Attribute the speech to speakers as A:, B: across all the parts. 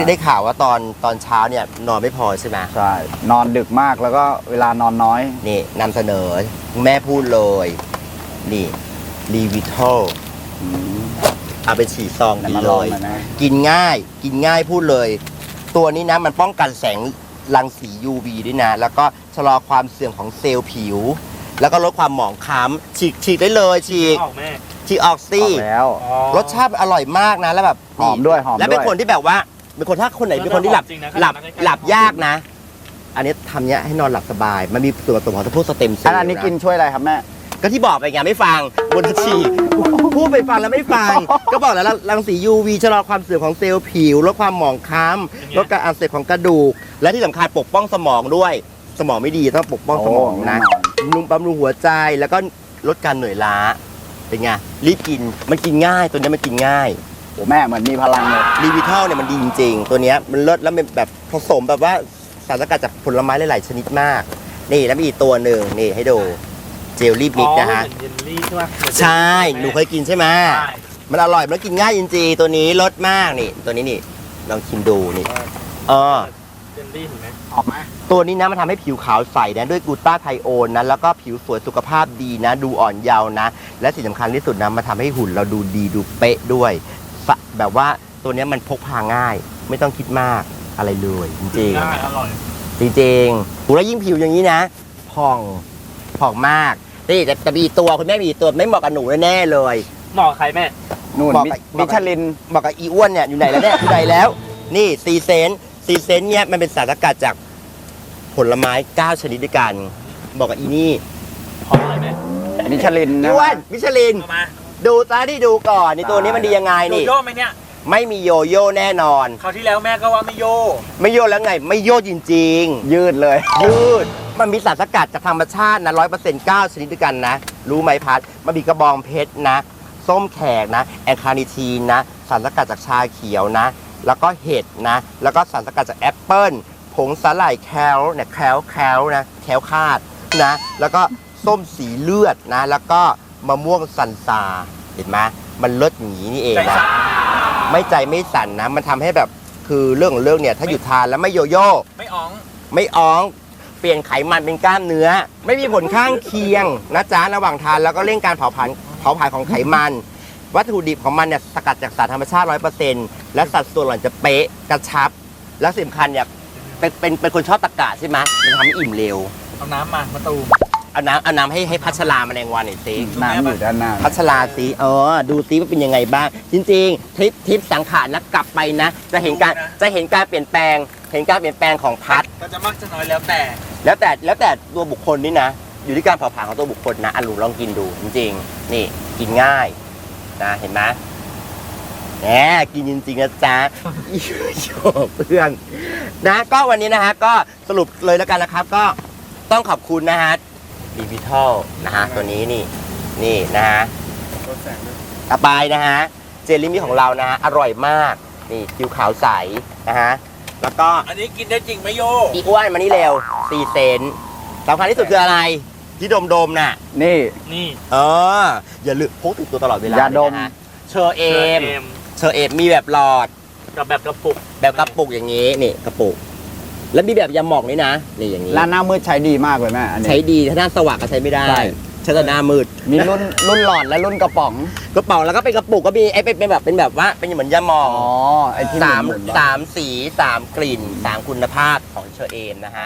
A: ได้ข่าวว่าตอนเช้าเนี่ยนอนไม่พอใช่ไหม
B: ใช่นอนดึกมากแล้วก็เวลานอนน้อย
A: นี่นำเสนอแม่พูดเลยนี่รีวิทอลเอาไปฉีดซองกินเลยกินง่ายพูดเลย ตัวนี้นะมันป้องกันแสงรังสี UV ด้วยนะแล้วก็ชะลอความเสื่อมของเซลล์ผิวแล้วก็ลดความหมองคล้ำฉีกได้เลยฉีกออกสิ
B: แล้ว
A: รสชาติอร่อยมากนะแล้วแบบ
B: หอมด้วย
A: แล้วเป็นคนที่แบบว่าเป็นคนถ้าคนไหนเป็นคนที่หลับยากนะอันนี้ทำเนี้ยให้นอนหลับสบายมันมีส่วนผสมของพวกสเต็มเซลล์
B: อันนี้กินช่วยอะไรครับแม่
A: ก็ที่บอกไปไงไม่ฟังบนฉีกพูดไปฟังแล้วไม่ฟังก็บอกแล้วรังสี UV ชะลอความเสื่อมของเซลล์ผิวลดความหมองคล้ำลดการอักเสบของกระดูกและที่สำคัญปกป้องสมองด้วยสมองไม่ดีต้องปกป้องสมองนะบำรุงหัวใจแล้วก็ลดการเหนื่อยล้าเป็นไงรีบกินมันกินง่ายตัวนี้มันกินง่าย
B: โอ้แม่เหมือนมีพลังเลย
A: รีวิทัลเนี่ยมันดีจริงๆตัวนี้มันเลิศแล้วมันแบบผสมแบบว่าสารสกัดจากผลไม้หลายๆชนิดมากนี่แล้วมีอีกตัวหนึ่งนี่ให้ดูเจลลี่มิกนะฮะใช่หนูเคยกินใช่ไหมมันอร่อยมันกินง่ายจริงๆตัวนี้รสมากนี่ตัวนี้นี่ลองชิมดูนี่
C: เจลลี่เห็นไหม
B: ออกไหม
A: ตัวนี้นะมันทำให้ผิวขาวใสนะด้วยกลูตาไทโอนนะแล้วก็ผิวสวยสุขภาพดีนะดูอ่อนเยาว์นะและสิ่งสำคัญที่สุดนะมันทำให้หุ่นเราดูดีดูเป๊ะด้วยแบบว่าตัวนี้มันพกพาง่ายไม่ต้องคิดมากอะไรเลยจริง
C: ๆอร่อย
A: จริงๆแล้วยิ่งผิวอย่างนี้นะผ่องมากนี่แต่มีตัวคุณแม่มีตัวไม่เหมาะกับหนูแน่เลย
C: เหมาะใครแม่
B: นู่นมิชลิน
A: เหมาะกับอีอ้วนเนี่ยอยู่ไหนแล้วเนี่ยอยู่ไหนแล้วนี่ซีเซนเนี่ยมันเป็นสารสกัดจากผลไม้9ชนิดด้วยกันบอกกับอีนี่
C: พออะไรไหม
B: มิชลินนะ
A: อ้วนมิชลินดูตาที่ดูก่อนนี่ตัวนี้มันดียังไงนี่
C: โยโย่ไหมเนี่ย
A: ไม่มีโยโย่แน่นอน
C: คราวที่แล้วแม่ก็ว่าไม่โย่
A: แล้วไงไม่โย่จริง
B: ๆยืดเลย
A: ยืดมันมีสารสกัดจากธรรมชาตินะ 100% 9 ชนิดด้วยกันนะรู้ไหมพัดมันมีกระบองเพชรนะส้มแขกนะแอนคานิทีนนะสารสกัดจากชาเขียวนะแล้วก็เห็ดนะแล้วก็สารสกัดจากแอปเปิ้ลผงสาหร่ายแคลเนี่ยแคลนะแคลคาดนะแล้วก็ส้มสีเลือดนะแล้วก็มะม่วงสันซาเห็นไหมมันเลิศอย่างนี้นี่เองนะไม่ใจไม่สั่นนะมันทำให้แบบคือเรื่องเนี่ยถ้าหยุดทานแล้วไม่โยโย่
C: ไม่
A: อ้องเปลี่ยนไขมันเป็นกล้ามเนื้อไม่มีผลข้างเคียงนะจ๊ะระหว่างทานแล้วก็เร่งการเผาผลาญของไขมันวัตถุดิบของมันเนี่ยสกัดจากสารธรรมชาติ 100% และสัดส่วนหล่อนจะเป๊ะกระชับและสำคัญเนี่ยเป็นคนชอบตะกะใช่ไหมมันทำให้อิ่มเร็ว
C: เอาน้ำมาตูม
A: เอาน้ำให้พัชรามาแรงวันหน่อยสิ
B: น้ำอยู่ด้านหน้า
A: พัชราสิดูสิว่าเป็นยังไงบ้างจริงๆทิปสังขารนะกลับไปนะจะเห็นการเปลี่ยนแปลงของพัด
C: ก็จะมากจะน้อยแล้ว
A: แต่ตัวบุคคลนี่นะอยู่ที่การเผาผลาญของตัวบุคคลนะอันหนูลองกินดูจริงๆนี่กินง่ายนะเห็นไหมแหมกินจริงๆนะจ๊ะโยเพื่อนนะก็วันนี้นะฮะก็สรุปเลยแล้วกันนะครับก็ต้องขอบคุณนะฮะรีวิทัลนะฮะตัวนี้นี่นะฮะต่อไปนะฮะเจลลี่มิของเรานะฮะอร่อยมากนี่ผิวขาวใสนะฮะแล้วก็
C: อันนี้กินได้จริงไหมโย
A: อีอ้วนมานี่เร็ว4 เซนสำคัญที่สุดคืออะไรที่ดมน่ะ
B: นี่
A: อย่าลืมพกติดตัวตลอดเวลา
B: อย่าดม
A: เชอเอมมีแบบหลอด
C: กับแบบกระ
A: ปุกอย่างนี้นี่กระปุกแล้วมีแบบยาหมองนี่นะนี่อย่างนี้
B: แล้วหน้ามืดใช้ดีมากเลยแม่อันนี้
A: ใช้ดีถ้าหน้าสว่างก็ใช้ไม่ได้ใช้แต่หน้ามืด
B: มีรุ่นหลอดและรุ่นกระป๋อง
A: แล้วก็เป็นกระปุกก็มีไอ้เป็นแบบว่าเป็นเหมือนยาหมอง
B: ไอ้ที่
A: 3 สี3 กลิ่น3 คุณภาพของเชอเอมนะฮะ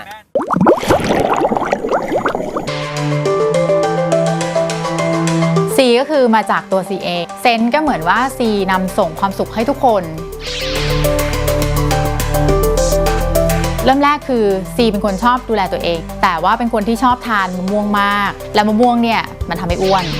D: C ก็คือมาจากตัว C เองเซนก็เหมือนว่า C นำส่งความสุขให้ทุกคนเริ่มแรกคือ C เป็นคนชอบดูแลตัวเองแต่ว่าเป็นคนที่ชอบทานมะม่วงมากและมะม่วงเนี่ยมันทำให้อ้วน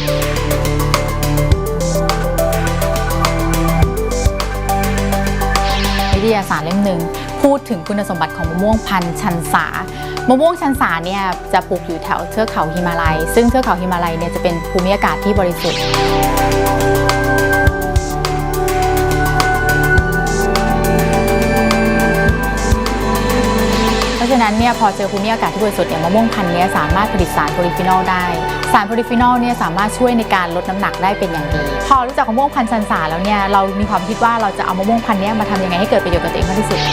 D: วิทยาศาสตร์เล่มหนึ่งพูดถึงคุณสมบัติของมะม่วงพันธุ์ชันสามะม่วงชันสาเนี่ยจะปลูกอยู่แถวเทือกเขาหิมาลัยซึ่งเทือกเขาหิมาลัยเนี่ยจะเป็นภูมิอากาศที่บริสุทธิ์เพราะฉะนั้นเนี่ยพอเจอภูมิอากาศที่บริสุทธิ์เนี่ยมะม่วงพันธุ์นี้สามารถผลิตสารโพลีฟีนอลได้สารโพลีฟีนอลเนี่ยสามารถช่วยในการลดน้ำหนักได้เป็นอย่างดีพอรู้จักมะม่วงพันธุ์ชันสาแล้วเนี่ยเรามีความคิดว่าเราจะเอามะม่วงพันธุ์นี้มาทำยังไงให้เกิดประโยชน์กับตัวเองมากที่สุด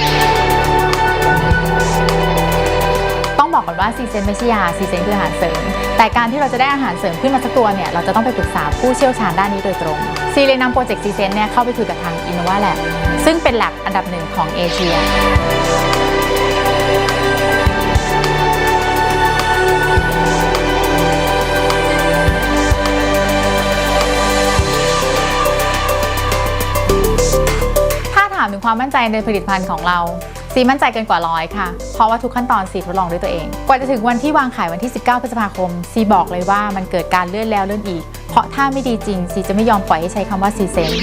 D: ต้องบอกก่อนว่าซีเซนไม่ใช่ยาซีเซนคืออาหารเสริมแต่การที่เราจะได้อาหารเสริมขึ้นมาสักตัวเนี่ยเราจะต้องไปปรึกษาผู้เชี่ยวชาญด้านนี้โดยตรงซีเลยนำโปรเจกต์ซีเซนเนี่ยเข้าไปคุยกับทาง Innova Lab ซึ่งเป็น lab อันดับหนึ่งของเอเชียถามถึงความมั่นใจในผลิตภัณฑ์ของเราซีมั่นใจเกินกว่า100ค่ะเพราะว่าทุกขั้นตอนซีทดลองด้วยตัวเองกว่าจะถึงวันที่วางขายวันที่19พฤษภาคมซีบอกเลยว่ามันเกิดการเลื่อนแล้วเลื่อนอีกเพราะถ้าไม่ดีจริงซีจะไม่ยอมปล่อยให้ใช้คำว่าซีเซน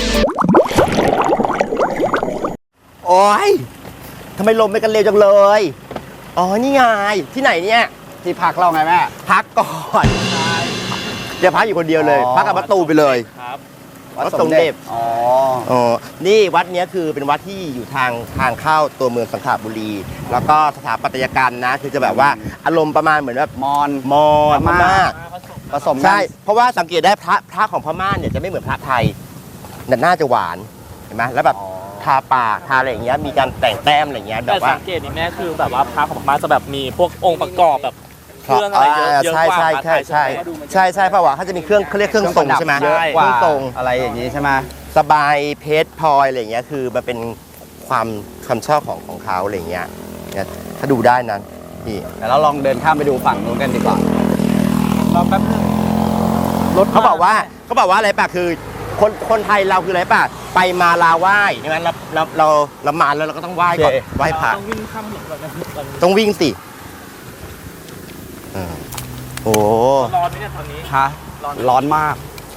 A: โอ้ยทำไมลมไปกันเร็วจังเลยอ๋อนี่ไงที่ไหนเนี่ย
B: ที่พักเราไงแม่
A: พักก่อนอย่าพักอยู่คนเดียวเลย
B: อ๋อ
A: พักกับประตูไปเลย
C: ครับ
A: วัดสมเด็จ
B: อ๋อ
A: อ๋อนี่วัดเนี้ยคือเป็นวัดที่อยู่ทางเข้าตัวเมืองสังขบุรี แล้วก็สถาปัตยกรรมนะคือจะแบบว่าอารมณ์ประมาณเหมือนแบบ
B: มอน
A: มอญพม่า
B: ผสมกัน
A: ใช่เพราะว่าสังเกตได้พระของพม่าเนี่ยจะไม่เหมือนพระไทยแต่น่าจะหวานเห็นไหมแล้วแบบ
B: อ๋อ
A: ทาปากทาอะไรอย่างเงี้ยมีการแต่งแต้มอะไรอย่างเงี้ยแบ
C: แต่
A: บว่า
C: สังเกตนี่แม่คือแบบว่าพระของพม่าจะแบบมีพวกองค์ประกอบแบบเครื่องอะไรเยอะเยอะ
A: ใช่
C: กว่า
A: ใช่
C: พระไท
A: ใช่
C: ย
A: ใช่ใช่ใช่เพราะว่าเขาจะมีเครื่องเขาเรียกเครื่องทรงใช่ไหม
B: เยอะ
A: เค
B: กว่า
A: รื่องทรง
B: อะไรอย่างนี้ใช่ไหม
A: สบายเพชรพลอยอะไรอย่างเงี้ยคือมันเป็นความชอบของเขาอะไรอย่างเงี้ยเนี่ยถ้าดูได้นะพี่
B: เดี๋ยวเราลองเดินข้ามไปดูฝั่งนู้นกันดีกว่า
C: รอแป๊บนึงรถ
A: เขาบอกว่าอะไรป่ะคือคนไทยเราคืออะไรป่ะไปมาลาไหว้ใช่ไหมเรามาแล้วเราก็ต้องไหว้ก่อน
B: โอเค
A: ไหว้พระ
C: ต้องวิ่งข้ามถนนแบบนั้น
A: ต้องวิ่งสิโอ้
C: ร้อนไหมเนี่ยตอนนี้
B: ฮะร้อนมาก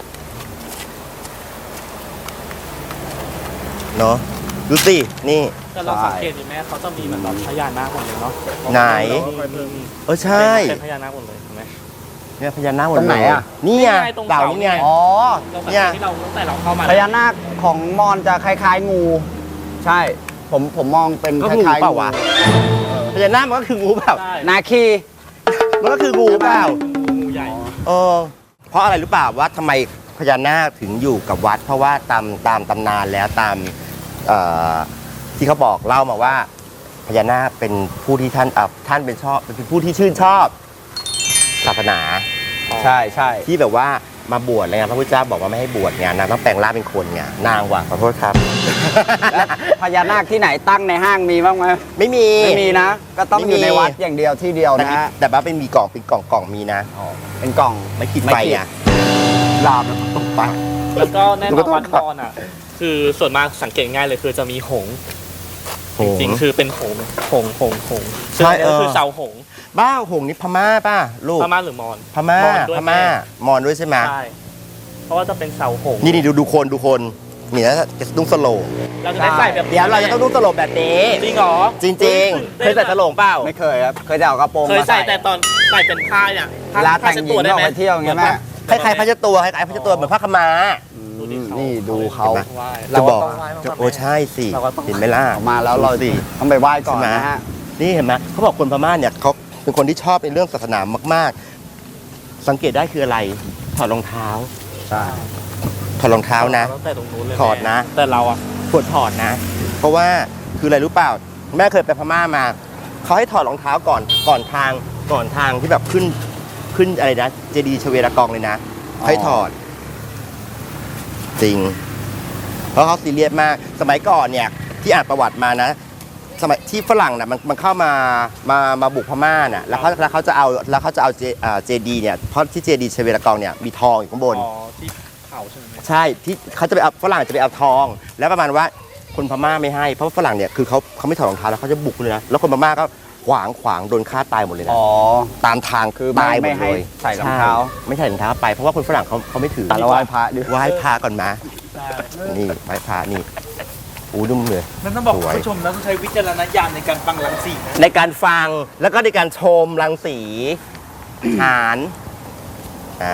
A: เนาะดูสินี่
C: แต่เราสังเกตดิแม่เขาจะมีเหมือนแบบพญานาคหมดเลยเนาะ
A: ไหน
C: มี
A: ใช่
C: เป็นพญานาคหมดเลยเห็นไหม
A: เนี่ยพญานาคหมด
B: ตรงไหน
A: เลย
B: อะ
A: นี่ไง
C: นี่ไงตรง
A: เต่า
C: เสา
A: นี่ไง
B: อ๋อ
C: เราสังเกตที่เราตั้งแต่เราเข้ามา
B: พญานาคของมอนจะคล้ายๆงู ใช่ ผมมองเป็น
A: ก็
B: ค
A: คืองู
B: ล้ายๆ
A: เปล่าวะพญานาคมันก็คืองูเปล่า
C: ใช่
B: นาคี
A: มันก็คืองูเปล่า
C: งูใหญ่
A: เพราะอะไรรู้เปล่าว่าทำไมพญานาคถึงอยู่กับวัด เพราะว่าตามตำนานแล้วตามที่เขาบอกเล่ามาว่าพญานาคเป็นผู้ที่ท่านเป็นผู้ที่ชื่นชอบศาสนา
B: ใช่ใช่
A: ที่แบบว่ามาบวชอะไรเงี้ยพระพุทธเจ้าบอกว่าไม่ให้บวชไงนางต้องแปลงร่างเป็นคนไงนางว่ะขอโทษครับ
B: และพญานาคที่ไหนตั้งในห้างมีบ้างไหม
A: ไม่มี
B: ไม่มีนะ ก็ต้อง
A: ไม่
B: อยู่
A: มี
B: ในวัดอย่างเดียวที่เดียว
A: แต่
B: นะฮะ
A: แต่ว่าเป็นมีกล่องเป็นกล่องมีนะ
B: อ๋อเป็นกล่อง
A: ไม่ขีด
B: ไม่
A: ไฟ
B: ขีด
A: ไงลามแล้วตกไป
C: แล้วก็แน่น
A: หนูก็
C: อน
A: ต้อง
C: วัดนอนอ่ะ คือส่วนมากสังเกตง่ายเลยคือจะมีหงส์จริงๆคือเป็นหงส์ซึ่งอันนี้ก็คือเสาหงส์
A: บ้าหงนี่พม่าป่ะลูก
C: พม่าหรือมอญ
A: พม่าม
C: อญด้วย
A: พม่ามอนด้วยใช่ไหม
C: ใช่เพราะว่าจะเป็นเสาหงส์
A: นี่ดูคนนี่นะจะนุ่งสโลง
C: เราจะได้ใส่แบบ
A: เดี๋ยวเราจะต้องนุ่งสโลงแบบนี้
C: จริงเหรอ
A: จริงๆเคยใส่สโลงเปล่า
B: ไม่เคยครับ เคยจะเอากระโปรง
C: เคย
B: มา
C: ใส่แต่ตอนใส่เป็นผ้าเนี่ย
B: เวลาแต่งหญิงออกไปเที่ยวอย่างเงี้ยแม่
A: คล้ายๆพระเจ้าตัวคล้ายๆพระเจ้าตัวเหมือนผ้าขาวม้า
B: นี่ดูเขา
A: จะบอกโอ้ใช่สิเห็นไหมล่ะ
B: ออกมาแล้วเรา
A: ดูสิ
B: ต้องไปไหว้ก่อน
A: ใช่ไหม
B: นะฮะ
A: นี่เห็นไหมเขาบอกคนพม่าเนี่ยเขาเป็นคนที่ชอบในเรื่องศาสนามากๆ สังเกตได้คืออะไรถอดรองเท้า
B: ใช่
A: ถอดรองเท้านะ
C: ตั้งแต่ตรงนู้นเลย
A: ถอดนะ
C: แต่เราอ่ะ
A: ควรถอดนะ เพราะว่าคืออะไรรู้เปล่าแม่เคยไปพม่ามาเขาให้ถอดรองเท้าก่อนทางที่แบบขึ้นอะไรนะเจดีย์ชเวดากองเลยนะให้ถอด จริง เพราะเขาซีเรียสมากสมัยก่อนเนี่ยที่อ่านประวัติมานะ สมัยที่ฝรั่งน่ะมันเข้ามาบุกพม่าน่ะแล้วเขาจะเอาเจดีย์เนี่ยเพราะที่เจดีย์ชเวดากองเนี่ยมีทองอยู่ข้างบน
C: อ๋อที่เขาใช่ไหม
A: ใช่ที่เขาจะไปเอาฝรั่งจะไปเอาทอง แล้วประมาณว่าคนพม่าไม่ให้เพราะว่าฝรั่งเนี่ยคือเขาไม่ถอดรองเท้าแล้วเขาจะบุกเลยนะแล้วคนพม่าก็ขวางโดนฆ่าตายหมดเลยนะ
B: อ๋อ
A: ตามทาง
B: คือ
A: ตายหม
B: ไม่
A: ด
B: ให้
A: เลย
B: ใส่รองเท้า
A: ใช่ไม่ใส่รองเท้าไปเพราะว่าคนฝรั่งเขาไม่ถือ
B: แต่เราไหว้พระด้วย
A: ไหว้พระก่อนมา
C: ใช่
A: นี่ไหว้พระนี่อู้นุ่มเลย
C: มันต้องบอก
A: สวย
C: ผู้ชมนะต้องใช้วิจารณญาณในการฟังรังสีนะ
A: ในการฟังแล้วก็ในการชมรังสีหารนะ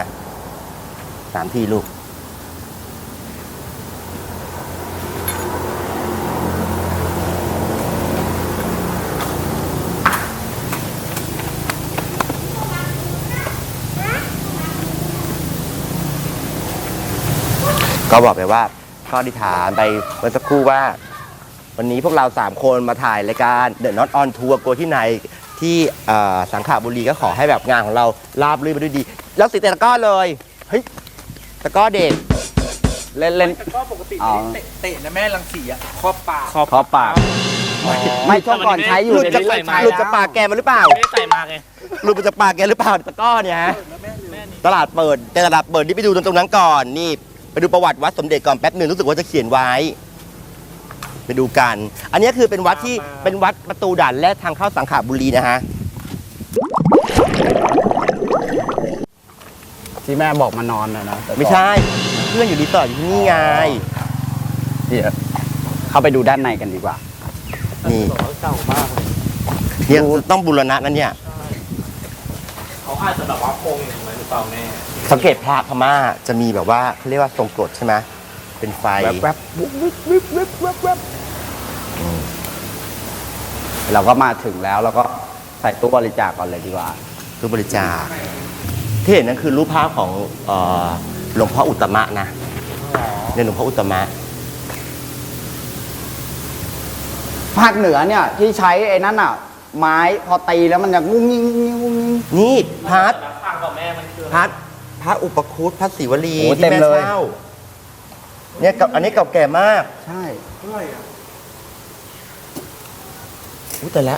A: 3 ทีลูกก็บอกไปว่าก็อธิษฐานไปเมื่อสักครู่ว่า วันนี้พวกเรา3คนมาถ่ายรายการ The Not On Tour โกที่ไหนที่สังขบุรีก็ขอให้แบบงานของเราราบรื่นไปด้วยดี แล้วสิเตะตะก้อเลยเฮ้ยตะก้อเด็ก
B: เล่นเล่น
E: ก็ปกติ
B: อ๋อ
E: เตะนะแม่รังสีอะครอบปาก
B: คอปากไม่ช่วงก่อนใช้อยู่
A: หลุด
B: เดี๋ยว
A: จาก
B: นี้เลิกใช้
A: หลุด
B: แล้
A: จาก
B: ว
A: ปากแกมาหรือเปล่า
C: ไม่ได้ใส่มาไง
A: หลุดมาจากปากแกหรือเปล่าตะก้อเนี่ยฮะตลาดเปิดแต่ตลาดเปิดนี่ไปดูตรงนั้นก่อนนี่ไปดูประวัติวัดสมเด็จก่อนแป๊บหนึ่งรู้สึกว่าจะเขียนไว้ ไปดูกัน อันนี้คือเป็นวัดที่เป็นวัดประตูด่านแรกทางเข้าสังขบุรีนะฮะ
B: ที่แม่บอกมานอนนะแต่ก่อน
A: ไม่ใช่เพื่อนอยู่รีสอร์ทอยู่ที่นี่ไง
B: เดี๋ยวเข้าไปดูด้านในกันดีกว่า
A: นี่
C: เก่ามากเลย
A: เนี่ยต้องบูรณะนั่นเนี่ย
C: เขาอาจจะแบบว่าโคงอย่างไรหรือเปล่าแม่
A: สังเกตพระพม่าจะมีแบบว่าเขาเรียกว่าทรงกรดใช่ไหมเป็นไฟ
B: แวบๆบุ๊บบุ๊บบุ๊บบุ๊บบุ๊บบุ๊บเราก็มาถึงแล้วเราก็ใส่ตู้บริจาคก่อนเลยดีกว่า
A: ตู้บริจาคที่เห็นนั่นคือรูปภาพของหลวงพ่ออุตตมะนะเนี่ยหลวงพ่ออุตตมะ
B: ภาคเหนือเนี่ยที่ใช้ไอ้นั่นอ่ะ ไม้พอตีแล้วมันจะงุ้งงิ้งงุ้งงิ้งงุ้งงิ้ง
A: นี่พัด
C: ข้างกับแม่มันคือ
A: พัดพระอุปคุตพระศิวลี
B: โอ้
A: ที่
B: เต็ม
A: แม่
B: เลย
A: เช่าเนี่ยอันนี้เก่าแก่มาก
B: ใช่
A: อุ้ยแต่ละ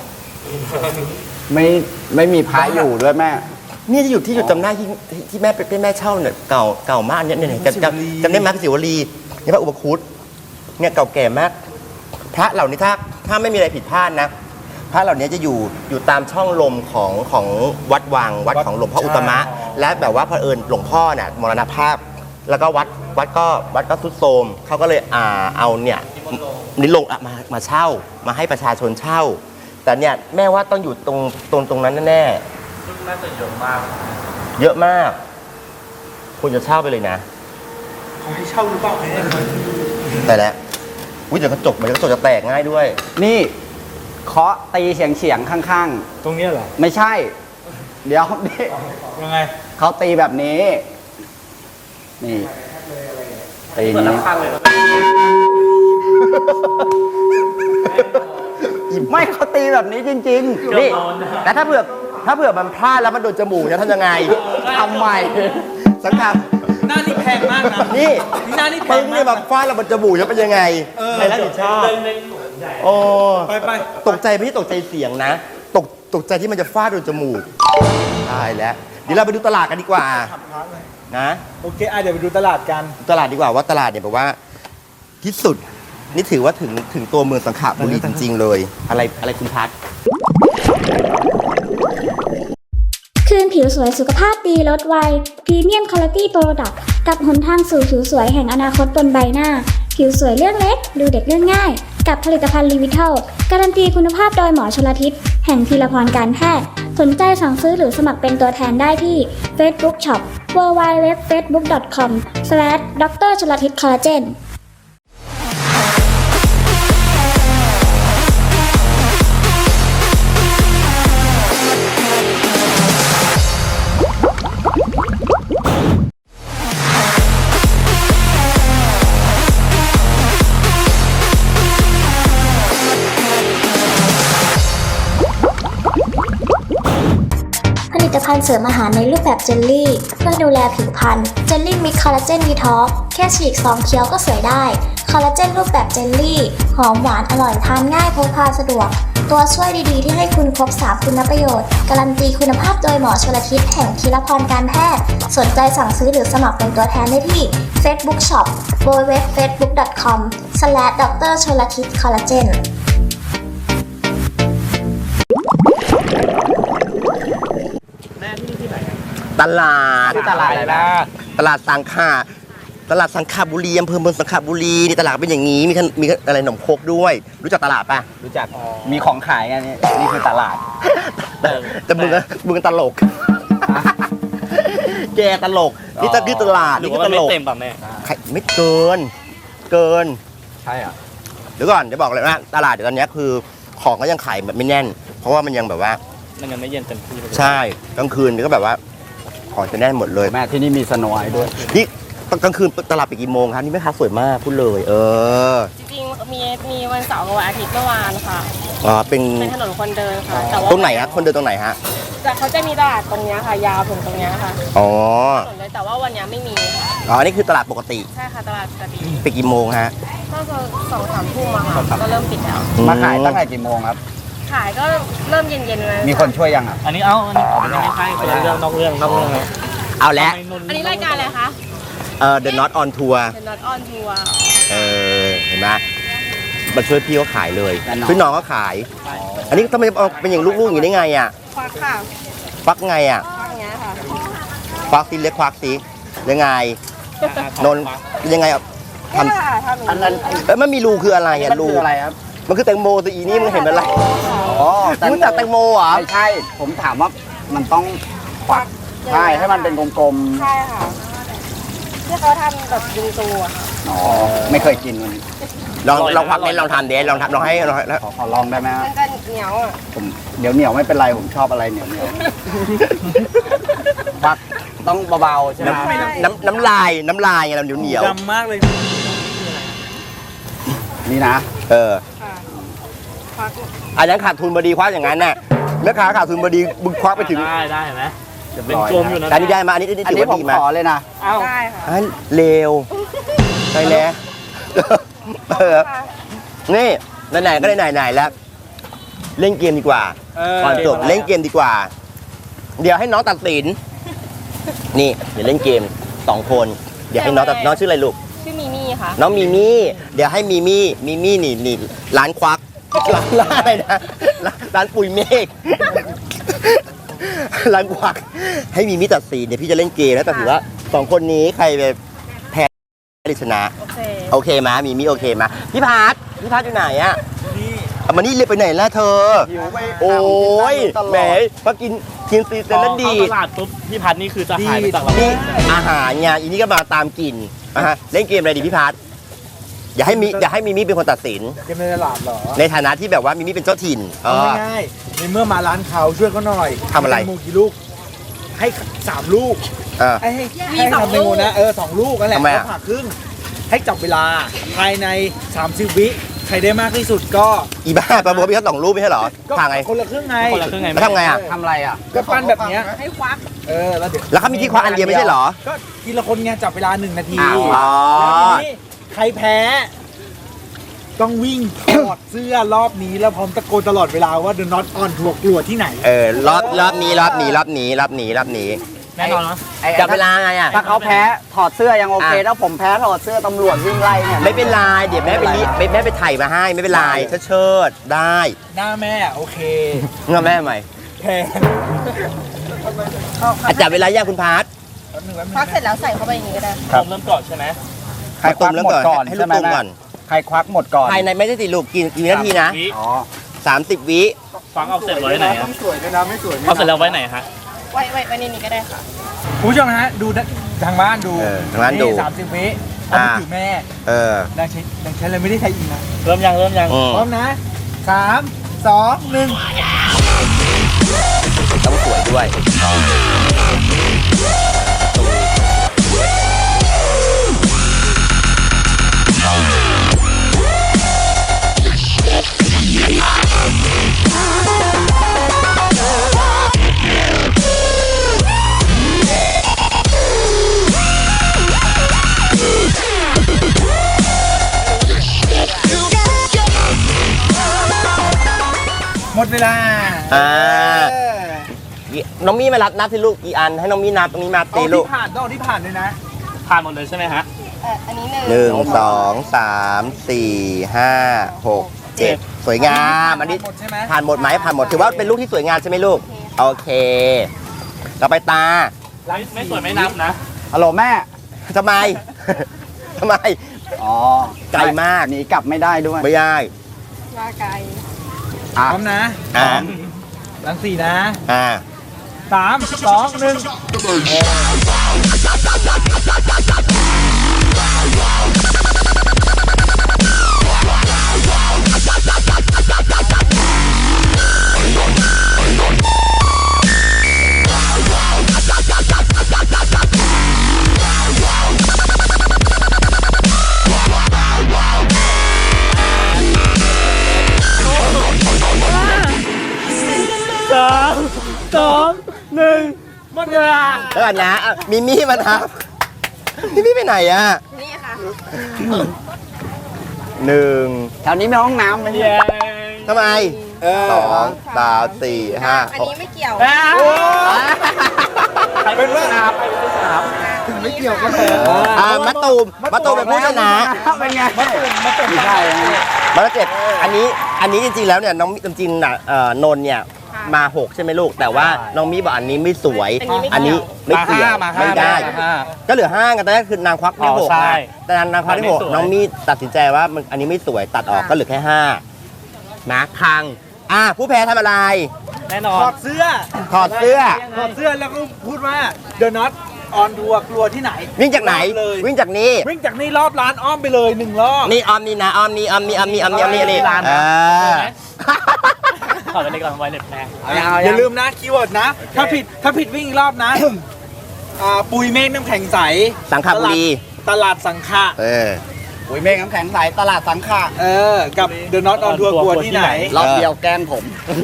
B: ไม่มีพายอยู่ด้วยแม่
A: นี่จะอยู่ที่จุดจำได้ที่แม่เป็นแม่เช่าเนี่ยเก่ามากเนี่ยเนี่ยจำได้ไหมพระศิวลีนี่พระอุปคุตเนี่ยเก่าแก่มาก พระเหล่านี้ถ้าไม่มีอะไรผิดพลาดนะ พระเหล่านี้จะอยู่ตามช่องลมของวัดวังวัดของหลวงพ่ออุตตมะ และแบบว่าเผอิญหลวงพ่อเนี่ยมรณภาพ แล้วก็วัดก็ทรุดโทรมเขาก็เลยเอาเนี่ยนิลงมาเช่ามาให้ประชาชนเช่า แต่เนี่ยแม่ว่าต้องอยู่ตรงนั้นแน่
C: ซึ่งน่าจะเยอะมาก
A: ๆเยอะมากควรจะเช่าไปเลยนะ
E: เขาให้เช่าหรือเปล่าแม่
A: แต่แล้วอุ้ยเดี๋ยวกระจกจะแตกง่ายด้วย
B: นี่เคาะตีเฉียงข้าง
E: ตรงเนี้ยเหรอ
B: ๆ ไม่ใช่ เดี๋ยวนี่
E: ยังไง
B: เขาตีแบบนี้ นี่ตี
C: เปิด
B: นี้
C: ข้างเลยนะ
B: ไม่เขาตีแบบนี้จริง
A: นี่แต่ถ้าเผื่อมันพลาดแล้วมันโดนจมูกจะทำยังไง
B: ๆทำไม
A: สังกัด
E: หน้านี่แพงมากนะ
A: นี่
E: หน้านี่แพ
A: ปึ้
E: ง
A: ง
E: มา
A: เนี่ย
E: ก
A: แบบฟาดแล้วมันจมูกจะเป็นยังไงใครรับผิดชอบ
C: เล่นๆหนูใหญ่
A: โอ้
E: ไป
A: ตกใจไม่ใช่ตกใจเสียงนะ ตกใจที่มันจะฟาดโดนจมูกตายแล้วเดี๋ยวเราไปดูตลาดกันดีกว่านะ
E: โอเคเดี๋ยวไปดูตลาดกัน
A: ตลาดดีกว่าว่าตลาดเนี่ยแบบว่าที่สุดนี่ถือว่าถึงตัวเมืองสังขบุรีจริง ๆ เลย อะไรคุณพัด
F: คืนผิวสวยสุขภาพดีลดวัยพรีเมียมคุณภาพโปรดักต์กับหนทางสู่ผิวสวยแห่งอนาคตบนใบหน้า ผิวสวยเรื่องเล็ก ดูเด็กเรื่องง่าย กับผลิตภัณฑ์ลีวิทัลการันตีคุณภาพโดยหมอชลทิศแห่งธีรพรการแพทย์สนใจสั่งซื้อหรือสมัครเป็นตัวแทนได้ที่ Facebook Shop www.facebook.com/dr ชลทิศคอลลาเจนผลิตภัณฑ์เสริมอาหารในรูปแบบเจลลี่เพื่อดูแลผิวพรรณเจลลี่มิกคอลลาเจนวีท็อกแค่ฉีกซองเคี้ยวก็สวยได้คอลลาเจนรูปแบบเจลลี่หอมหวานอร่อยทานง่ายพกพาสะดวกตัวช่วยดีๆที่ให้คุณครบ3คุณประโยชน์การันตีคุณภาพโดยหมอชลทิศแห่งธีรพรการแพทย์สนใจสั่งซื้อหรือสมัครเป็นตัวแทนได้ที่ Facebook Shop www.facebook.com/dr ชลทิศคอลลาเจน
C: แม่ที่นี่ที่ไหน
A: ตลาด
B: ที่ตลาดอะไรนะ
A: ตลาดสังขบุรีอำเภอเมืองสังขบุรีนี่ตลาดเป็นอย่างนี้มีอะไรหนมโคกด้วย รู้จักตลาดปะ
B: รู้จัก มีของขายไงนี่คือตลาด
A: แต่มึงตลก แกตลกนี่คือตลาด
C: หรือ
A: นี่
C: ว่า
A: คือ
C: มัน
A: ต
C: ไม่
A: ลก
C: เต็มป่ะแม่
A: ไม่เกิน
B: ใช่อ่ะ
A: เดี๋ยวก่อนจะบอกเลยว่าตลาดเดี๋ยวตอนนี้คือของก็ยังขายแบบไม่แน่น เพราะว่ามันยังแบบว่า
C: มันยังไม่เย็นเต็มที่เลย
A: ใช่กลางคืนนี่ก็แบบว่าของจะแน่นหมดเลย
B: แม่ที่นี่มีสโนว์ไอท์ด้วย
A: นี่กลางคืนตลาดปิดกี่โมงครับนี่แม่ค้าสวยมากพูดเลย
G: จริงๆมีวันเสาร์กับวันอาทิตย์เมื่อวานค่ะ
A: อ๋อเป็น
G: เป็นถนนคนเดินค่ะ แต่ว่า
A: ตรงไหนฮะคนเดินตรงไหนฮะ
G: แต่เขาจะมีตลาดตรงเนี้ยค่ะ ยาวถึงตรงเนี้ยค่ะ
A: อ๋อ
G: ถนนเลยแต่ว่าวันเนี้ยไม่มีค่ะ
A: อ๋อนี่คือตลาดปกติ
G: ใช่ค่ะตลาดปกติ
A: ปิดกี่โมงฮะ
G: ก็คือ2-3 ทุ่มอะค่ะก็เริ่มปิดแล้ว
B: มาขายตั้งแต่กี่โมงครับ
G: ขายก็เริ่มเย็นๆเลย
B: มีคนช่วยยังอ่ะ
C: อันนี้ไม่ใช่คนละเรื่องนอกเรื่องนะ
A: เอาแล้ว
G: อันนี้รายการอะไรคะ
A: The Not on Tour
G: The Not on Tour
A: เห็นไหมมาช่วยพี่เขาขายเลย
B: แล้วน้อง
A: ช่วยน้องเขาขาย อันนี้ทำไมเอาเป็นอย่างลูกๆอย่างนี้ได้ไงอ่ะ
G: ควักค่ะ
A: ฟักไงอ่ะ
G: ควักอย่างเงี้ยค่ะ
A: ควักซิเล็กควักซิยังไงนนท์ยังไงอ่ะท
G: นี่ค่ะทำอย่าง
B: อันนั้น
A: ำมันมีรูคืออะไรอ่ะ
B: มัน
A: รู
B: คืออะไรครับ
A: มันคือแตงโมสิอีนี่มึงเห็นเป็นอะไร
B: อ๋อ
A: รู้จักแตงโมเหรอ
B: ไม่ใช่ ผมถามว่ามันต้องควักใช่ให้มันเป็นกลม
G: ใช่ค่ะที่เขาทำแบบยิงตัว
B: ๆอ๋อไม่เคยกินมัน
A: ลองควักเน้นลองทำเดนลองให้
B: ขอลองได้ไหมฮะ
G: มันก็เหนียวอ่ะ
B: ผมเดี๋ยวเหนียวไม่เป็นไรผมชอบอะไรเหนียวเหนียวควักต้องเบาๆใช่ไหม
A: น้ำลายไงเราเหนียว
E: ดำมากเลย
B: นี่นะ
G: ค่ะควัก
A: อันนั้นขาดทุนบดีควักอย่างนั้นน่ะแม่ค้าขาดทุนบดีมึงควักไปถึง
C: ได้ไหมจะเป็นกลมอยู่นะ
A: อันนี้ได้มาอันนี้
B: อัน
A: ถือ
B: นี้
A: ว่า
B: ผม
A: ดีไหม
B: ขอเลยนะ
C: เอ้า
G: ได้ค่ะ
A: อันเลวไปแล้วนี่ไหนๆก็ได้ไหนๆแล้ว เล่นเกมดีกว่าก่อนจบเล่นเกมดีกว่า เดี๋ยวให้น้องตัดสินนี่เดี๋ยวเล่นเกม2 คนเดี๋ยวให้น้องน้องชื่ออะไรลูก
G: ชื่อมิมี่ค่ะ
A: น้องมีมี่เดี๋ยวให้มีมี่นี่ร้านควักร้านอะไรนะร้านปุ๋ยเมฆร้านควักให้มีมี่ตัดสินเดี๋ยวพี่จะเล่นเกมแล้วแต่ถือว่า2 คนนี้ใครไปแพ้หรือชนะ
G: โอเค
A: โอเคมามีมี่โอเคมาพี่พัทอยู่ไหนอะเอามานี่เรียกไปไหนล่ะเธอ
B: หิวไป
A: โอ้ย
B: ตลอด
A: แหมพอกินซีเซนแล้วดี
C: ตลาดปุ๊บพี่พัดนี่คือจะหายไปจากเรา
A: นี่อาหารไงอีนี่ก็มาตามกินเล่นเกมอะไรดีพี่พัทอย่าให้มีมี่เป็นคนตัดสิน
E: เกมในตลาดเหรอ
A: ในฐานะที่แบบว่ามีมี่เป็นเจ้าถิ่น
E: เอาง่ายๆในเมื่อมาร้านเขาช่วยเขาหน่อย
A: ทำอะไร
E: แตงโมกี่ลูก ให้3 ลูก
A: เออ
E: ให้ทำแตงโมนะ2 ลูกนั่นแหละ
A: ทำไมอะ
E: แล้วผ่าครึ่ง ให้จับเวลาภายใน30 วิใครได้มากที่สุดก็
A: อีบ้าประมวลพี่แค่2 รูปไม่ใช่เหรอ
E: ก็
A: ทางไง
E: คนละครึ่งไง
C: คนละครึ่งไง
A: แล้วทำไงอ่ะ
B: ทำอะไรอ่ะ
E: ก็ปั้นแบบเนี้ย
G: ให้ควัก
E: แล้วเดี๋ยว
A: แล้วเขามีที่คว้าอันเดียวไม่ใช่เหรอ
E: ก็ทีละคนไงจับเวลา1 นาที
A: อ๋อ
E: แล้วทีนี้ใครแพ้ ต้องวิ่งถอดเสื้อรอบนี้แล้วพร้อมตะโกนตลอดเวลาว่า The Not on ถูกกลัวที่ไหน
A: รอบนี้
C: แน่นอนนะ
A: จับเวลาไงอ่ะ
B: ถ้าเขาแพ้ถอดเสื้อยังโอเคถ้าผมแพ้ถอดเสื้อตำรวจวิ่งไล่เนี่ย
A: ไม่เป็นไรเดี๋ยวแม่ไปถ่ายมาให้ไม่เป็นไรเชิดได้
E: หน้าแม่โอเค
A: เงินแม่ใหม่
E: แพ้
A: จับเวลาย่างคุณพาร์ท
G: ควักเสร็จแล้วใส่เข้าไปอย่างนี้ก็ได้
C: ผมเริ่มก่อนใช่ไหม
B: ใครควักหมดก่อน
A: ให้ลู
B: ใช่
A: ก
B: ไหม
A: ตุ่ม
B: แม่
A: ก่อน
B: ใครควักหมดก่อน
A: ภายในไม่ได้ติดลูกกี่นาทีนะ
C: วิ
B: อ๋อ
A: 30 วิ
C: ฟังเอาเสร็จไว้ไหนอะ
E: สวยด้วยนะไม่สวย
C: เอาเสร็จแล้วไว้ไหนฮะ
G: ไว้ในนี้ก็ได้ค่ะ
E: คุณผู้ชมนะฮะดูทางบ้านดู
A: ทางบ้านดู
E: 30 วิเอาไปถือแม่ ดังใช้เลยไม่ได้ใช้อีกนะ
C: เริ่มยัง
E: พร้อมนะ 3 2 1
A: ต้องสวยด้วย
E: หมดเวลา
A: น้องมี่มานับที่ลูกกี่อันให้น้องมี่นับตรงนี้มาตี
E: เอา
A: ลู
E: ที่
A: ก
E: ผ่านต้องเอาที่ผ่านด้วยนะ
C: ผ่านหมดเลยใช่ไหมฮะ
G: อันนี้1
A: 1 2 3 4 5 6 7 สวยงามอันนี้
E: หมดใช่ไหม
A: ผ่านหมดไหมผ่านหมดถือว่าเป็นลูกที่สวยงามใช่ไหมลูกโอเคต่อไปตา
C: ไม่สวยไม่นับนะ
B: ฮัลโหลแม่
A: ทำไม ทำไม
B: อ๋อ
A: ไกลมาก
B: หนีกลับไม่ได้ด้วย
A: ไม่ได้
G: มาไกล
E: พร้อมนะ
A: อ่า
E: หลัง4นะ 3 2 1
A: แล้วกันนะอ่ะมิมี่มานับมิมี่ไปไหนอ่ะ
G: นี่ค่ะ
A: หนึ่ง
B: แถวนี้มีห้องน้ำไหมเนี่ย
A: ทำไมสองสามสี่ห้า
G: อันนี้ไม่เกี่ยว
E: เป็นว่า
G: ไม่เกี่ยวกันเลย
A: มะตูมเป็นผู้ชนะ
B: เป็นไง
E: มาตุ่ม
B: ไม่ใช่นะ
A: มาแล้ว7อันนี้จริงๆแล้วเนี่ยน้องจริงๆน่ะนนท์เนี่ยมา6ใช่ไหมลูกแต่ว่าน้องมีบอกอันนี้ไม่สวย อันนี้ไม่เกี่ยวไม่ได้ ก็เหลือ5กันแต่แรกคือนางควักได้6นะแต่นางควักได้6น้องมีตัดสินใจว่ามันอันนี้ไม่สวยตัดออกก็เหลือแค่5นะพังผู้แพ้ทำอะไร
C: แน่นอ
E: ถ
C: น
E: อดเสื้อ
A: ถอดเสื้อ
E: ถอดเสื้อแล้วก็พูดว่า The Not on Tour กลัวที่ไหน
A: วิ่งจากไหน
E: เลย
A: วิ่งจากนี้
E: วิ่งจากนี่รอบร้านอ้อมไปเลย1 รอบ
A: นี่ออมนี่นะออมนี่นี่
C: ถอดไปในกล่องไวเล็ตแม่
E: อย่าลืมนะคีย์เวิร์ดนะ ถ้าผิดวิ่งอีกรอบนะ ปุยเมฆน้ำแข็งใส
A: สังขบุรี
E: ตลาดสังขะ
B: ปุ๋ยเมฆน้ำแข็งใสตลาดสังขะ
E: กับ The Not on Tour กลัวที่ไหน
B: รอบเดียวแกล้งผม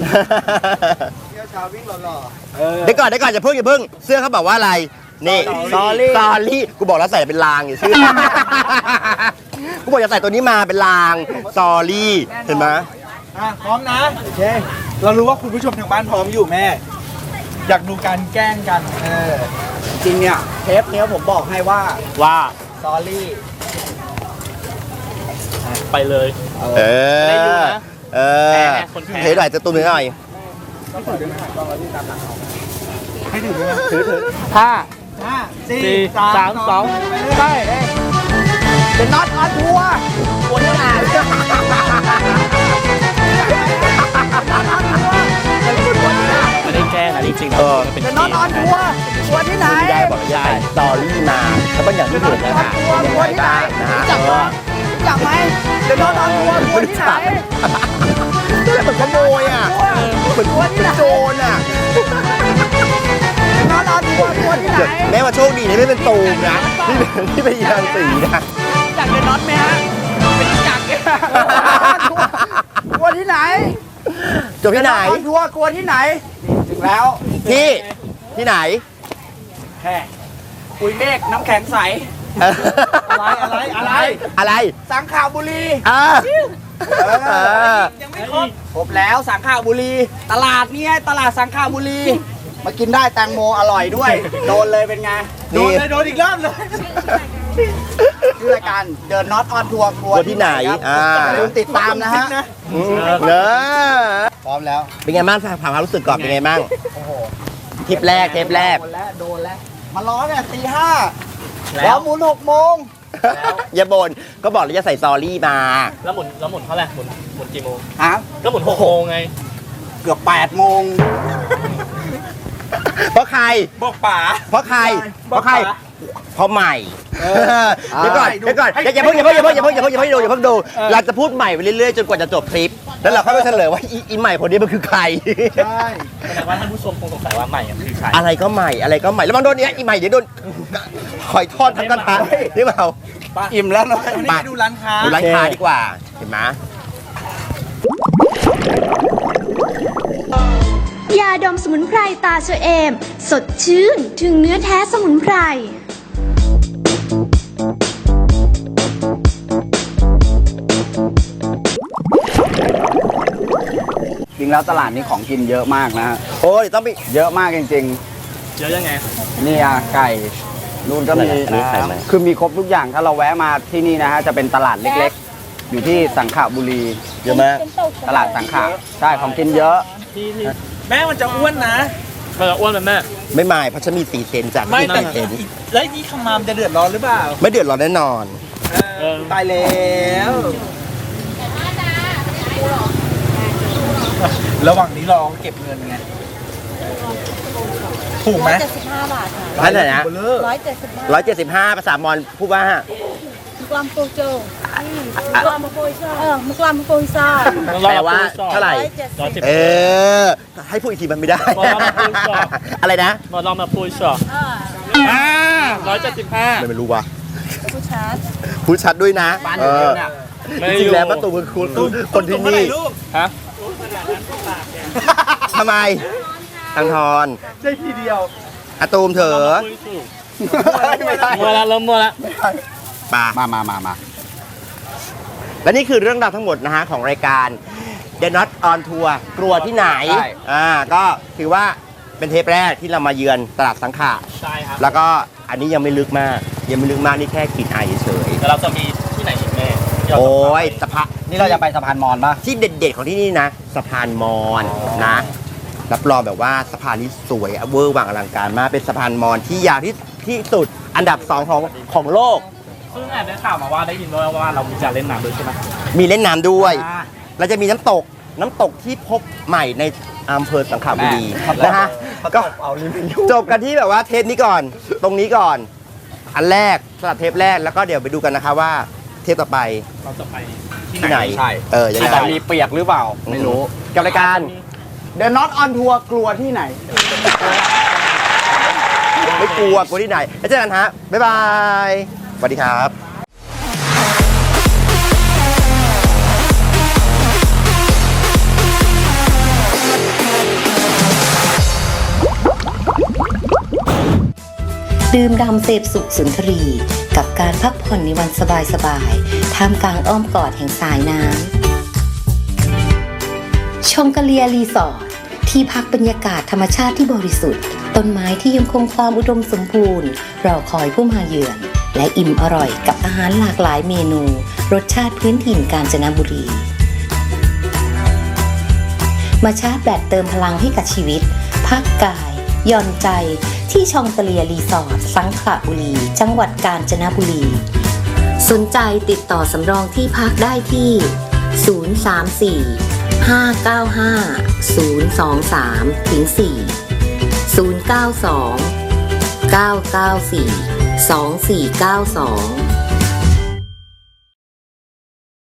A: เดี๋ยวก่อนอย่าเพิ่งเสื้อเขาบอกว่าอะไรนี่ Sorry กูบอกแล้วใส่เป็นลางอย่าชื่อ กูบอกอย่าใส่ตัวนี้มาเป็นลาง Sorry เห็นไหม
E: พร้อมนะโอเคเรารู้ว่าคุณผู้ชมทางบ้านพร้อมอยู่แม่ อยากดูการแกล้งกัน
B: จริงเนี่ยเทปเนี้ยผมบอกให้ว่า ซอรี่
C: ไปเลย ได้ดูนะ แพ้ไงคนแพ้
A: เทหน่อยจะตุ้มหน่อย
E: ให้ถือด้วยนะ
C: ถือ
E: ห้า
C: สี่
E: สี่
C: สามสอง
E: ใช่
B: เป็นน็อตออนทัวร์
C: คนที่ไหนไม่ได้แกล้งนะจริงๆนะมันเป็น
B: เป็นน็อตออนทัวร์ทัวร์ที่ไหน
A: ไม่ได้บอกอย่าใส่ Sorry มาแล้วก็อย่างที่เห็นนะฮะเป็นยังไงบ้างนะฮะ
B: รู้จักไหมเป็นน็อตออนทัวร์ทัวร์ที่ไหน
A: นี่เหมือนขโมยอ่ะเหมือนโจรอ่ะ
B: น็อตออนทัวร์ทัวร์ที่ไหน
A: แม้ว่าโชคดีนะไม่เป็นตูมนะที่เป็นยางสีนะ
B: จากเป็นน็อตไหมฮะเป็นจักรเนี่ยทัวร์ที่ไหน
A: จบที่ไหน
B: ออนทัวร์ทัวร์ที่ไหนถึงแล้ว
A: ที่ไหน
B: แค่ปุ๋ยเมฆน้ำแข็งใส
A: อะไร
B: สังขบุรี
E: ยังไม่ครบ
B: ครบแล้วสังขบุรี ตลาดเนี่ยตลาดสังขบุรี มากินได้แตงโมอร่อยด้วย โดนเลยเป็นไง
E: โดนเลยโดนอีกรอบเลย
B: ชื่อรายการเดินน็อตออนทัวร์ทัว
A: ทัวร์ที่ไหน
B: อย่าลืมติดตามนะฮะ
A: เนอะ
B: พร้อมแล้ว
A: เป็นไงบ้างถามความรู้สึกก่อนเป็นไงบ้างทริปแรก
B: โดนแล้วมาล้อเนี่ยตี 5
C: แล้
B: แล้ว วหมุน6 โมง
A: อย่าบ่นก็บอกแล้วจะใส่ซอรี่มา
C: แล้วหมุนเท่าไหร่หมุนกี่โมง
B: ฮะ
C: ก็หมุน6 โมงไง
B: เกือบ8 โมง
A: เพราะใคร
E: บอกป๋า
A: เพราะใคร
E: เพราะใคร
A: เพราะใหม่เดี๋ยวก่อนอย่าเพิ่งดูเราจะพูดใหม่ไปเรื่อยๆจนกว่าจะจบคลิป แล้วเราค่อยไปเฉลยว่าอีใหม่คนนี้มันคือใคร
B: ใช่
C: แสดงว่าท่านผู้ชมคงสงสัยว่าใหม่อะคือใคร
A: อะไรก็ใหม่แล้วบางโดนเนี้ยอีใหม่เดี๋ยวโดนหอยทอดทั้งกระทะนี่เปล่า
B: อิ่มแล้วเนอะ
E: วันนี้ไปดูร้านค้า
A: ดูร้านค้าดีกว่าเห็นไหม
H: ยาดมสมุนไพรตาเชอเอม สดชื่นถึงเนื้อแท้สมุนไพร
B: จริงแล้วตลาดนี้ของกินเยอะมากนะฮะ
A: โอ้ยต้องไป
B: เยอะมากจริง
C: เยอะยังไง
B: ๆนี่อะไก่นู่นก็มี
A: นี่ไข่ไหม
B: คือมีครบทุกอย่างถ้าเราแวะมาที่นี่นะฮะจะเป็นตลาดเล็กๆ อยู่ที่สังขบุรี
A: เยอะไหม
B: ตลาดสังขะใช่ของกินเยอะ
C: ที่
E: แม่มันจะอ้วนนะ
C: มันจะอ้วนไหมแม่
A: ไม่ไม่เพราะฉันมี4 เซนจาก
E: ไม่แต่
A: 4 เซน
E: แล้วนี่คำมามจะเดือดร้อนหรือเปล่า
A: ไม่เดือดร้อนแน่นอน
E: ตายแล้วระหว่างนี้เราเก็บเงินไงถูกไหม
G: 175 บาทค่ะ
A: เท่าไหร่นะ
G: 175
A: 175ภาษามอญพูดว่า
G: มุกลามโปโจมุกลามโปยซ่ามุกลามโปยซ่า
A: แปลว่าเท่าไหร่
C: 170
A: เออ ให้พูดอีกทีมันไม่ได้
C: มอญมาพูดก่อน
A: อะไรนะ
C: มาลองมาพูดช็อต175
A: ไม่รู้ว่ะ
G: ผู้ชาร์จ
A: พูดชัดด้วยนะ
B: บ้านอยู่เดียวเนี่ย
A: จริงๆแล้วประตูคือคนที่นี่
C: ฮะ
A: ทำไมทางทอน
E: ใช่ทีเดียว
A: อะตูมเถอะ
B: ไม่ได้
C: มัวแล้วเริ่มมัวแล้ว
A: ป่า
B: มา
A: และนี่คือเรื่องราวทั้งหมดนะฮะของรายการ The Not on Tour กลัวที่ไหน
B: ใช่
A: ก็ถือว่าเป็นเทปแรกที่เรามาเยือนตลาดสังขะ
C: ใช่ครับ
A: แล้วก็อันนี้ยังไม่ลึกมาก นี่แค่กลิ่นอายเฉย
C: แล้วเราจะมีที่ไหนอีกแม่ที่เรา
A: โอ้
C: จะไป
A: ยสะพาน
B: นี่เราจะไปสะพานมอญป่ะ
A: ที่เด็ดๆของที่นี่นะสะพานมอญนะ รับรองแบบว่าสะพานนี้สวยเวอร์วังอลังการมากเป็นสะพานมอญที่ยาวที่สุดอันดับ 2 ของโลก
C: ซึ่งแอบได้ข่าวมาว่าได้ยินว่าเรามีการเล่นน้ำด้วยใช่ไหม
A: มีเล่นน้ำด้วย
C: อ่า
A: แล้วจะมีน้ำตกที่พบใหม่ในอำเภอสังขบุรีนะฮะก็จบกันที่แบบว่าเทปนี้ก่อน ตรงนี้ก่อน อันแรกสำหรับเทปแรกแล้วก็เดี๋ยวไปดูกันนะคะว่าเทปต่อไป
C: เราจะไปที่
A: ที่ไหน
B: ใช่
A: ยัง
B: ที่
A: ไง
B: จะมีเปียกหรือเปล่า ไม่รู้
A: กับรายการ
B: The Not on Tour กลัวที่ไหน
A: ไม่กลัวที่ไหนแล้วเจอกันฮะบ๊ายบายสวัสดีครับ
I: ดื่มด่ำเสพสุขสุนทรี กับการพักผ่อนในวันสบายๆท่ามกลางอ้อมกอดแห่งสายน้ำชองกะเลียรีสอร์ทที่พักบรรยากาศธรรมชาติที่บริสุทธิ์ต้นไม้ที่ยังคงความอุดมสมบูรณ์รอคอยผู้มาเยือนและอิ่มอร่อยกับอาหารหลากหลายเมนูรสชาติพื้นถิ่นกาญจนบุรี มาชาร์จแบตเติมพลังให้กับชีวิตพักกายหย่อนใจที่ชองกะเลียรีสอร์ทสังขละบุรีจังหวัดกาญจนบุรีสนใจติดต่อสำรองที่พักได้ที่ 034 595 023 ถึง 4 092 994 2492